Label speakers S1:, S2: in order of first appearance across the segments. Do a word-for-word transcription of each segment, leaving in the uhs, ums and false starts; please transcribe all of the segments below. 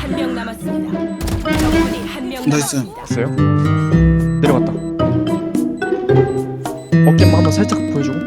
S1: 한 명 남았습니다. 적군이 한 명
S2: 나이스.
S1: 남았습니다.
S3: 봤어요? 내려갔다. 어깨만 한번 살짝 보여주고.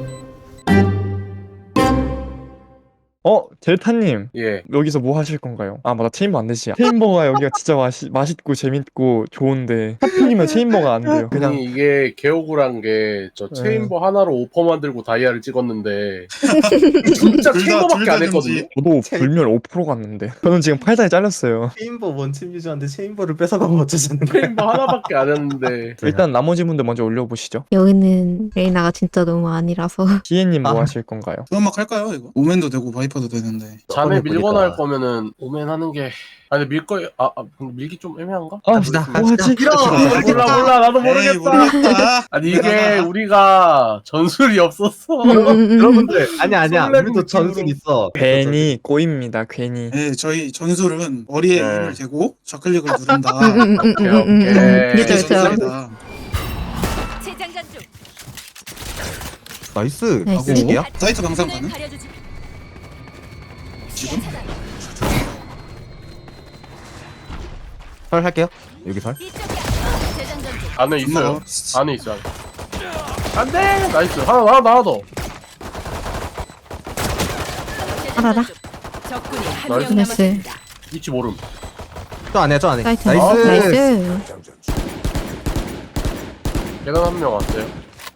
S3: 어? 델타님
S4: 예.
S3: 여기서 뭐 하실 건가요? 아 맞다, 체인버 안 되지. 체인버가 여기가 진짜 마시, 맛있고 재밌고 좋은데 하필이면 체인버가 안 돼요. 그냥
S4: 아니 이게 개억울한 게 저
S3: 네.
S4: 체인버 하나로 오퍼 만들고 다이아를 찍었는데 진짜
S2: 둘 다-
S4: 체인버밖에
S2: 둘다
S4: 안 했거든요.
S2: gem지.
S3: 저도 불멸 오 퍼센트 갔는데 저는 지금 팔 단에 잘렸어요.
S5: 체인버 원팀 유저한테 체인버를 뺏어가면 어쩌자는 거야?
S4: 체인버 하나밖에 안 했는데
S3: 일단 나머지 분들 먼저 올려보시죠.
S6: 여기는 레이나가 진짜 너무 아니라서.
S3: 기애님 뭐
S5: 아.
S3: 하실 건가요?
S2: 음악 할까요 이거? 오맨도 되고 바이퍼도 되는데.
S4: 자네
S5: 보니까.
S4: 밀거나 할 거면은 오멘 하는 게 아니 밀 거, 아, 아 근데 밀기 좀 애매한가?
S3: 아
S5: 갑시다,
S3: 뭐 하지?
S4: 몰라 몰라 몰라 나도
S2: 에이
S4: 모르겠다.
S2: 모르겠다.
S4: 아니 이게 우리가 전술이 없었어.
S6: 음,
S5: 여러분들 아니야 아니야
S4: 설레는
S5: 우리도
S4: 느낌으로.
S5: 전술 있어.
S3: 괜히 꼬입니다. 괜히.
S2: 네, 저희 전술은 머리에
S4: 네.
S2: 힘을 대고 좌클릭을 누른다.
S6: 음, 음, 음, 음, 음, 음.
S4: 오케이.
S6: 그쵸,
S2: 이게
S6: 그쵸.
S2: 전술이다.
S1: 재장전 중.
S5: 나이스.
S6: 나이스.
S5: 하고
S2: 사이트 방상 가능?
S1: 가려주지.
S2: 지금?
S5: 설 할게요. 여기 설.
S1: 이쪽이야. 재장전 중.
S4: 안에 있어요.
S2: 뭐,
S4: 안에 있어. 안돼. 나이스. 하나 하나 하나 더.
S6: 알아라.
S1: 적군이 한
S4: 나이스.
S1: 명 남았습니다.
S4: 위치 모름.
S5: 저 안에 저 안에.
S6: 나이스.
S5: 나이스.
S6: 나이스.
S4: 계단 한 명 왔어요.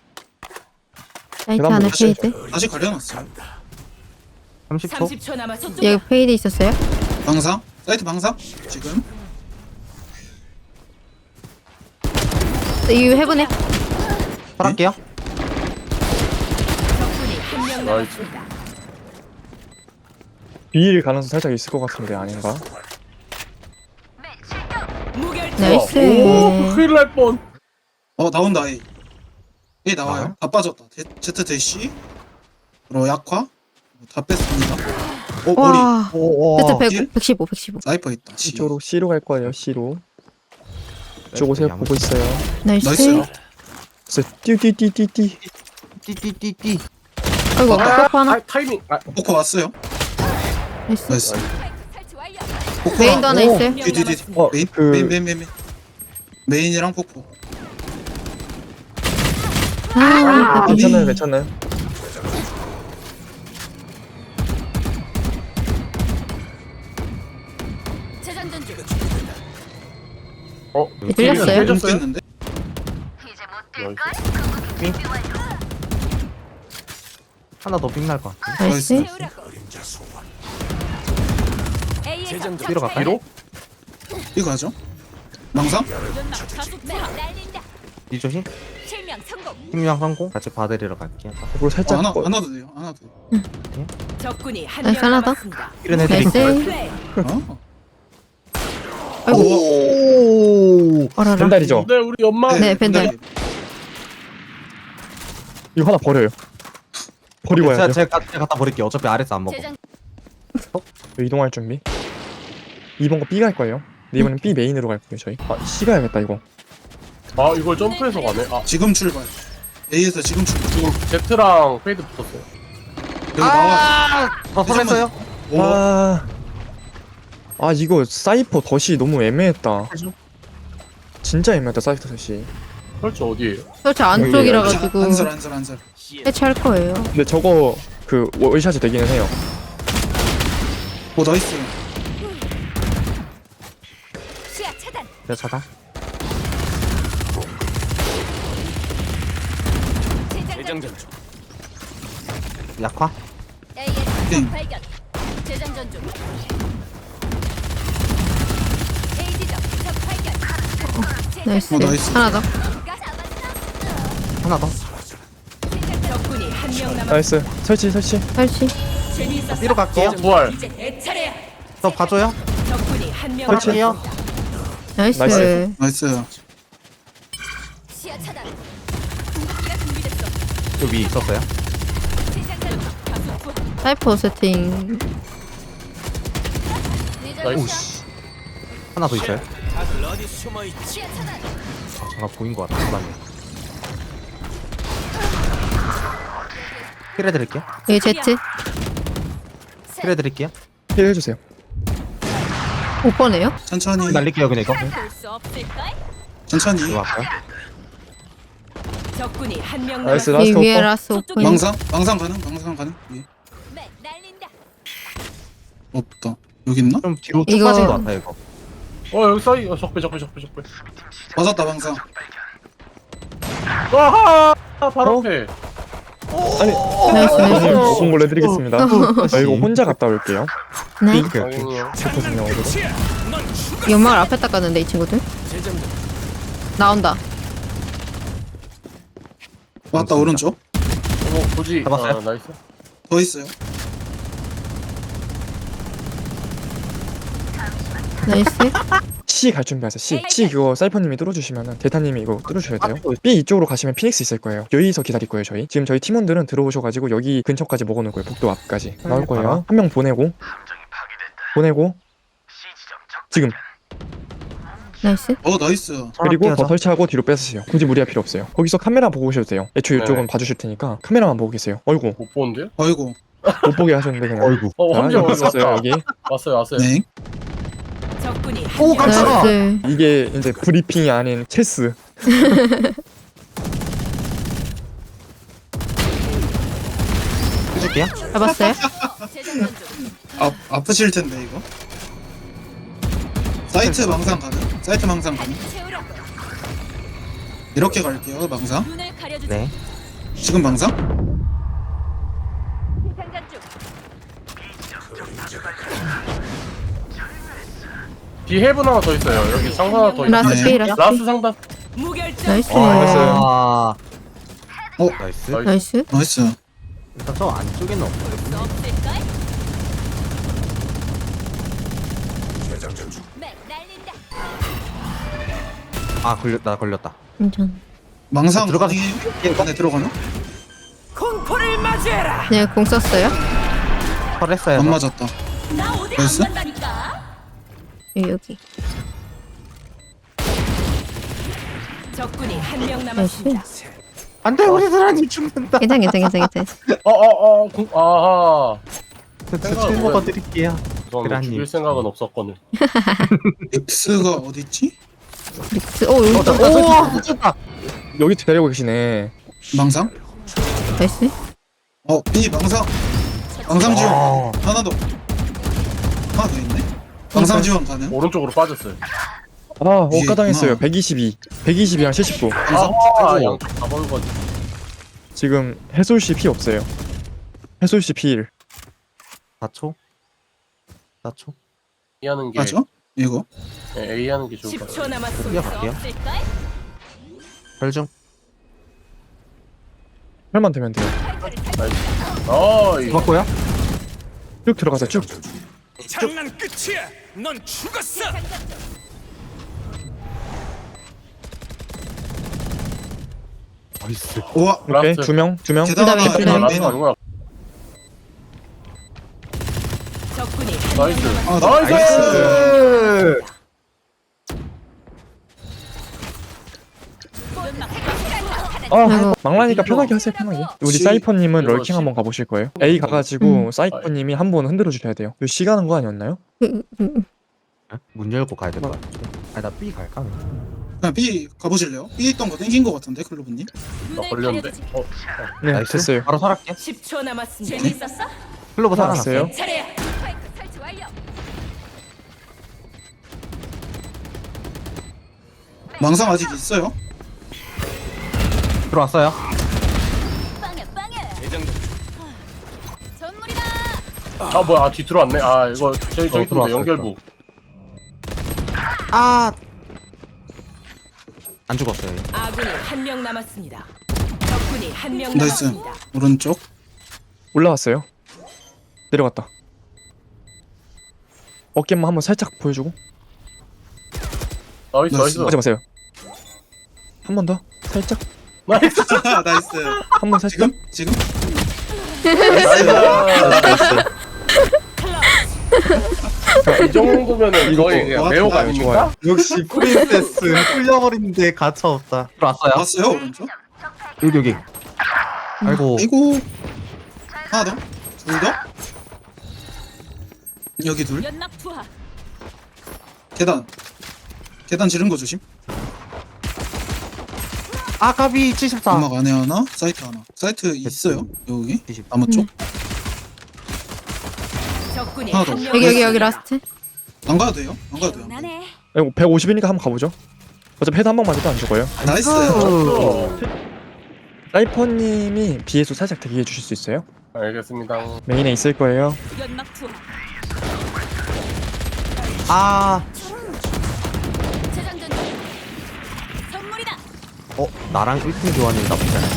S6: 나이트
S3: 계단
S6: 안에
S3: 보시죠.
S6: 페이드.
S2: 다시 가려놨어요.
S5: 삼십 초.
S1: 삼십 초 남았습니다.
S6: 여기 페이드 있었어요?
S2: 방상? 사이트 방상? 지금?
S6: 이 해븐에.
S5: 설 할게요.
S1: 적군이 한 명
S4: 나이스.
S1: 남았습니다.
S3: 비일 가능성 살짝 있을 것 같은데 아닌가?
S1: 무결점.
S6: 나이스.
S4: 오 큰일 날 뻔.
S2: 어 나온다 A. A 나와요.
S5: 나와요?
S2: 다 빠졌다. 데, Z 대시. 로 약화. 다 뺐습니다. 어 머리.
S6: 와.
S5: 오.
S6: 세트
S2: 딜?
S6: 백, 백십오, 백십오.
S2: 사이퍼 있다. C.
S3: C쪽으로 C로 갈 거예요. C로. 이쪽 오세요. 보고 있어요.
S6: 나이스.
S2: 나이스요.
S3: 그래서 띠띠띠띠띠.
S5: 띠띠띠띠.
S6: 아이고,
S4: 아,
S6: 포크 하나.
S4: 아, 타이밍. 아,
S2: 포커 왔어요.
S6: 나이스.
S2: 나이스.
S1: 설치 완료.
S2: 포커.
S6: 메인도 하나
S3: 오.
S6: 있어요.
S2: 뒤뒤뒤.
S3: 어,
S2: 메인
S3: 그-
S2: 메인 메인 메인 메인. 메인이랑 포커.
S6: 아,
S3: 괜찮아요. 괜찮아요.
S1: 재장전 중.
S4: 어,
S6: 네, 들렸어요?
S4: 깨졌어요?
S2: 뺐는데?
S4: 나이스.
S5: 하나 더 빅날 것 같아.
S6: 나이스.
S1: 채우라고. A에서
S5: 뒤로 갈까요?
S4: 뒤로?
S2: 이거 하죠. 망상?
S1: 연막 가속 투하. 날린다.
S5: 이 조심.
S1: 실명 성공.
S5: 힘량 성공. 같이 봐드리러 갈게요.
S3: 그리고
S2: 어,
S3: 살짝
S2: 하나
S3: 거-
S2: 하나도 돼요. 하나도. 돼요.
S1: 적군이 한
S6: 나이스,
S1: 명
S6: 하나 더.
S1: 남았습니다.
S5: 이런
S6: 나이스.
S5: 애들이.
S1: 플레이.
S2: 어?
S6: 아이고.
S5: 오.
S6: 어라라.
S3: 벤달이죠.
S4: 네, 우리 연막.
S6: 네, 벤달.
S2: 벤달이.
S3: 이거 하나 버려요. 버리고
S5: 제가
S3: 와야 돼요.
S5: 제가 제가 갖다 버릴게요. 어차피 아래서 안 먹어.
S1: 재장
S3: 이동할 준비. 이번 거 B 갈 거예요. 근데 이번엔 B 메인으로 갈 거예요 저희. 아 C 가야겠다 이거.
S4: 아, 이걸 점프해서 가네. 아,
S2: 지금 출발. A에서 지금 출발.
S4: 지금 Z랑 페이드 붙었어요.
S2: 여기 나와.
S5: 더 설했어요?
S2: 오.
S3: 아, 아 이거 사이퍼 덫이 너무 애매했다. 진짜 애매했다 사이퍼 덫이.
S4: 설치 어디에요?
S6: 설치 안쪽이라 가지고
S2: 한설 한설 한설.
S6: 해체할 거예요.
S3: 근데 저거 그 월샷이 되기는 해요.
S2: 오 나이스.
S1: 시야 차단.
S5: 제가 차다.
S1: 재장전 중.
S5: 약화.
S1: A에서
S2: 응.
S1: 적 발견. 재장전 중. A 지점 적 발견.
S6: 나이스.
S2: 오, 나이스.
S6: 하나 더.
S5: 하나 더.
S1: 적군이 한 명 남았습니다.
S3: 나이스. 설치 설치.
S6: 설치.
S1: 재미있었어.
S5: B로 갈게요.
S4: 어, 부활.
S1: 이제 내 차례야.
S5: 저 봐줘요.
S1: 적군이 한 명
S3: 설치.
S5: 할게요.
S6: 나이스.
S3: 나이스.
S2: 나이스.
S1: 시야 차단. 공격기가 준비됐어.
S5: 저 위에 있었어요.
S1: 재장전 중. 가속 투하.
S6: 사이퍼 세팅.
S4: 나이스.
S5: 하나 더 있어요.
S1: 시야 차단.
S5: 잠깐 보인 것 같아. 그다음에. 힐 해드릴게요.
S6: 여기 제트.
S5: 힐 해드릴게요.
S3: 힐 해주세요.
S6: 못 보네요?
S2: 천천히
S5: 날릴게요 그냥 이거.
S1: 볼수 없을걸?
S2: 천천히
S5: 이거 할까요?
S1: 적군이 한 명
S3: 나이스,
S1: 남았습니다.
S6: 이
S3: 라스트
S6: 위에
S3: 오퍼.
S6: 라스 오픈.
S2: 망상 망상 가능 망상 가능 예.
S1: 네, 날린다.
S2: 없다 여기 있나?
S5: 좀 뒤로 쭉
S6: 이거-
S5: 빠진 것 같아 이거.
S4: 어 여기 사이 어, 적배 적배 적배 적배.
S2: 맞았다 망상
S4: 아하 바로
S3: 어?
S4: 앞에.
S3: 아니
S6: 나이스 나이스.
S3: 오픈 걸 해드리겠습니다. 아, 이거 혼자 갔다 올게요.
S6: 네.
S5: 오케이 오케이.
S4: 아니요.
S3: 제거든요 오늘.
S6: 연막을 앞에 닦았는데 이 친구들. 나온다.
S2: 왔다 오른쪽
S4: 어 보지.
S5: 잡았어요?
S4: 아, 나이스.
S2: 더 있어요
S6: 나이스.
S3: C 갈 준비하세요. C. C 그거 사이퍼님이 뚫어주시면은 대타님이 이거 뚫어주셔야 돼요. B 이쪽으로 가시면 피닉스 있을 거예요. 여기서 기다릴 거예요 저희. 지금 저희 팀원들은 들어오셔가지고 여기 근처까지 먹어놓을 거예요. 복도 앞까지 나올 거예요. 한 명 보내고 보내고 지금
S6: 나이스.
S2: 어 나이스
S3: 그리고 더
S5: 하자.
S3: 설치하고 뒤로 뺏으세요. 굳이 무리할 필요 없어요. 거기서 카메라 보고 오셔도 돼요. 애초에
S4: 네.
S3: 이쪽은 봐주실 테니까 카메라만 보고 계세요. 어이구
S4: 못 보는데요?
S2: 어이구
S3: 못 보게 하셨는데 그냥.
S5: 어이구.
S4: 어
S3: 자,
S4: 함정
S3: 여기
S4: 어디
S3: 있었어요
S4: 왔다.
S3: 여기.
S4: 왔어요 왔어요.
S2: 네
S1: 적군이 한
S5: 오,
S1: 명
S5: 깜짝아.
S6: 나이스.
S3: 이게 이제 브리핑이 아닌 체스.
S5: 해줄게요.
S6: 잡았어요?
S1: 재장전 중.
S2: 아, 아프실 텐데 이거 사이트 망상 가능? 사이트 망상 가능?
S1: 채우라고.
S2: 이렇게 갈게요 망상
S1: 눈을 가려주지.
S5: 네.
S2: 지금 망상?
S1: 재장전 중.
S4: 뒤 해븐 하나 더 있어요. 여기 상사 하나 더 있어요.
S6: 라스
S2: 네.
S6: B 라스 B.
S4: 라스 상단.
S1: 무결점.
S6: 나이스.
S5: 아.
S2: 어?
S5: 나이스.
S4: 나이스.
S6: 나이스.
S2: 나이스
S5: 일단 저 안쪽에는 없어요.
S1: 볼수 없을걸? 네, 날린다.
S5: 아 걸렸 나 걸렸다.
S6: 괜찮.
S2: 망상
S5: 들어가서-
S2: 가능해요? 안에 들어가나?
S1: 공포를 맞이해라.
S6: 네, 공 썼어요.
S5: 털했어요.
S2: 안 맞았다
S1: 나 어디
S2: 나이스?
S1: 안 간다니까.
S6: 여기 여기.
S1: 적군이 한 명
S6: 나이스.
S1: 남았습니다.
S5: 안돼 우리 사람이 죽는다.
S6: 괜찮 괜찮 괜찮 괜찮.
S4: 어어어 공 아하.
S5: 술 먹어드릴게요.
S4: 저는
S5: 그라님.
S4: 죽일 생각은 없었거든.
S2: X가 어딨지?
S6: 릭스. 오 여기 있다.
S5: 오 미쳤다.
S3: 여기 데리고 계시네.
S2: 망상?
S6: 나이스.
S2: 어 B 망상 망상 지원
S5: 아.
S2: 하나 더 하나 더 있네 망상 지원 가능?
S4: 오른쪽으로 빠졌어요.
S3: 아
S2: 위에
S3: 억가당했어요.
S2: 있구나.
S3: 백이십이. 백이십이랑 칠십구.
S2: 망상?
S4: 아
S2: 아이고.
S4: 양쪽 다 먹은 거지.
S3: 지금 해솔씨 피 없어요. 해솔씨 피일.
S5: 사 초. 사 초.
S4: A 하는 게
S2: 맞아? 이거?
S4: 네, A 하는 게 좋을 것
S1: 십
S4: 같아요.
S1: 초 남았습니다.
S5: 뛰어갈게요.
S1: 없을걸?
S5: 혈중.
S3: 혈만 되면 돼요.
S4: 아 이거
S5: 죽었고요.
S3: 쭉 들어가서 쭉.
S7: 장난 끝이야. 넌 죽었어.
S5: 나이스.
S2: 우와
S3: 오케이
S4: 라스트.
S3: 두 명, 두 명.
S2: 계단
S6: 그다음에
S2: 하나
S6: 그다음에
S2: 맨,
S4: 라스
S2: 맨.
S4: 아니구나.
S1: 적군이 한
S4: 나이스.
S1: 명
S2: 아, 나-
S4: 나이스.
S3: 아
S6: 아이고.
S3: 망라니까 편하게 하세요 편하게. 우리
S2: 시-
S3: 사이퍼님은
S4: 이거
S3: 럴킹
S4: 시-
S3: 한번 가보실 거예요. A 가가지고
S6: 음.
S3: 사이퍼님이 한 번 흔들어 주셔야 돼요. 이거 C 가는 거 아니었나요?
S6: 음, 음, 음.
S5: 문 열고 가야 될 것 같아. 아니 나 B 갈까?
S2: 그냥 B 가보실래요? B 있던 거 땡긴 거 같은데 클로브님?
S4: 나 걸렸는데. 어,
S3: 네
S5: 나이스.
S3: 됐어요.
S5: 바로 살았게.
S1: 십 초 남았습니다. 재밌었어?
S5: 클로버
S3: 살았어요.
S5: 살아났어요.
S1: 차례야. 스파이크 설치 완료.
S2: 망상 아직 있어요?
S5: 들어왔어요.
S1: 빵야 빵야. 전물이다.
S4: 아 뭐야 아, 뒤 들어왔네. 아 이거 저기 저기
S5: 어, 들어왔어,
S4: 또 연결부.
S5: 아. 안 죽었어요. 얘.
S1: 아군이 한 명 남았습니다. 적군이 한 명
S2: 나이스
S1: 남았습니다.
S2: 오른쪽
S3: 올라왔어요. 내려갔다. 어깨만 한번 살짝 보여주고.
S4: 나이스 나이스.
S3: 하지 마세요. 한 번 더. 살짝.
S4: 나이스.
S2: 나이스
S3: 한 번 살짝.
S2: 지금? 지금?
S4: 나이스. 이 정도면은
S3: 이거
S4: 거의 그냥
S2: 좋아,
S4: 매혹
S2: 좋아요,
S4: 아닙니까?
S3: 좋아요.
S5: 역시 프린세스 뚫려버리는데 가차 없다. 들어왔어요.
S2: 봤어요 오른쪽?
S5: 여기 여기. 아이고.
S2: 아이고 하나 더? 둘 더? 여기 둘?
S1: 연락 투하.
S2: 계단. 계단 지른 거 조심.
S5: 아까비 칠십사.
S2: 음악 안에 하나, 사이트 하나. 사이트 있어요. 여기. 아마 쪽.
S1: 적군이
S2: 하나 더.
S1: 한 명.
S6: 여기 여기 여기 라스트.
S2: 안 가도 돼요. 안 가도 돼요.
S1: 나네.
S3: 이거 백오십이니까 한번 가보죠. 어차피 헤드 한 번 맞아도 안 죽어요.
S2: 나이스.
S3: 사이퍼님이 B에서 살짝 대기해 주실 수 있어요?
S4: 알겠습니다.
S3: 메인에 있을 거예요.
S1: 연막 투하.
S5: 아,
S1: 재장전 중. 선물이다.
S5: 어 나랑 일 팀 교환이 나쁘지 않아.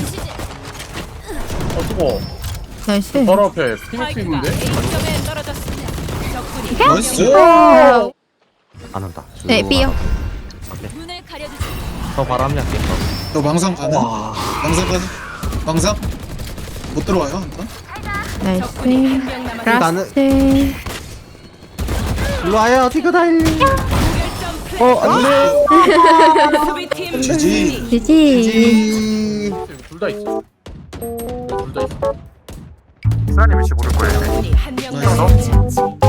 S4: 어 수고.
S6: 나이스.
S4: 바로 앞에 스피니크
S1: 스파이크가
S4: 있는데.
S1: A점에 떨어졌습니다. 적군이
S2: 나이스.
S6: 아,
S5: 안 한다.
S6: 네, B요.
S1: 눈을 가려주지.
S5: 저 바로 합류할게.
S2: 저 망상 가능?
S5: 와.
S2: 망상 가능? 망상? 못 들어와요 한 번?
S1: 적군이
S6: 나이스.
S1: 한 명 남았습니다.
S5: 나는-
S6: 라스트.
S5: 일로 와요, 디그다일리.
S3: 어, 안돼.
S1: 수비팀
S2: 지지.
S1: 승리.
S6: 지지.
S4: 둘 다 있어. 둘 다 있어.
S3: 수아님 위치 모를 거예요.
S1: 적군이 한 명
S2: 나이스.
S1: 남았습니다.